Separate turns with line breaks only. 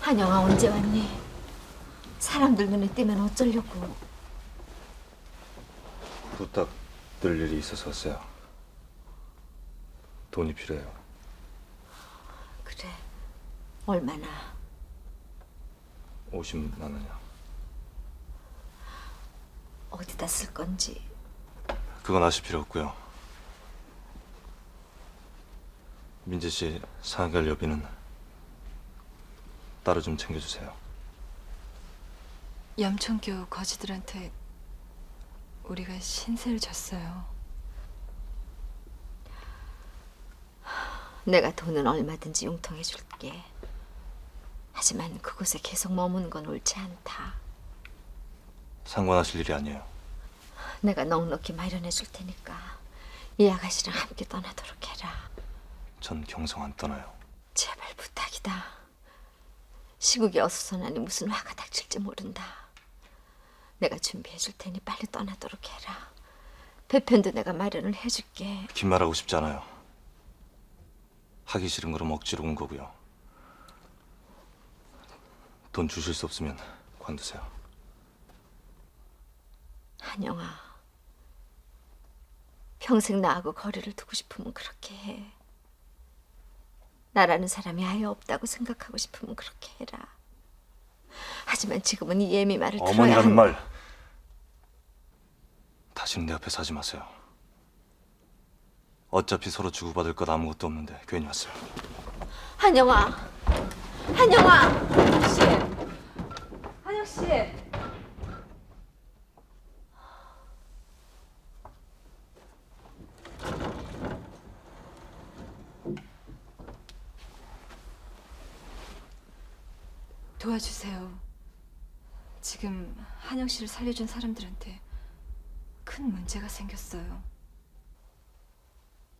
한영아 언제 왔니? 사람들 눈에 띄면 어쩌려고.
부탁드릴 일이 있어서 왔어요. 돈이 필요해요.
그래, 얼마나?
50만 원이요.
어디다 쓸 건지.
그건 아실 필요 없고요. 민재 씨 상결 여비는 따로 좀 챙겨주세요.
염천교 거지들한테 우리가 신세를 졌어요.
내가 돈은 얼마든지 융통해 줄게. 하지만 그곳에 계속 머무는 건 옳지 않다.
상관하실 일이 아니에요.
내가 넉넉히 마련해 줄 테니까 이 아가씨랑 함께 떠나도록 해라.
전 경성 안 떠나요.
제발 부탁이다. 시국이 어수선하니 무슨 화가 닥칠지 모른다. 내가 준비해 줄 테니 빨리 떠나도록 해라. 배편도 내가 마련을 해줄게.
긴 말하고 싶지 않아요. 하기 싫은 거로 억지로 온 거고요. 돈 주실 수 없으면 관두세요.
한영아, 평생 나하고 거리를 두고 싶으면 그렇게 해. 나라는 사람이 아예 없다고 생각하고 싶으면 그렇게 해라. 하지만 지금은 이 예미 말을 들어야
어머니라는
하는...
말 다시는 내 앞에서 하지 마세요. 어차피 서로 주고받을 것 아무것도 없는데 괜히 왔어요.
한영아, 한영아, 한영 씨, 한영 씨.
도와주세요. 지금 한영 씨를 살려준 사람들한테 큰 문제가 생겼어요.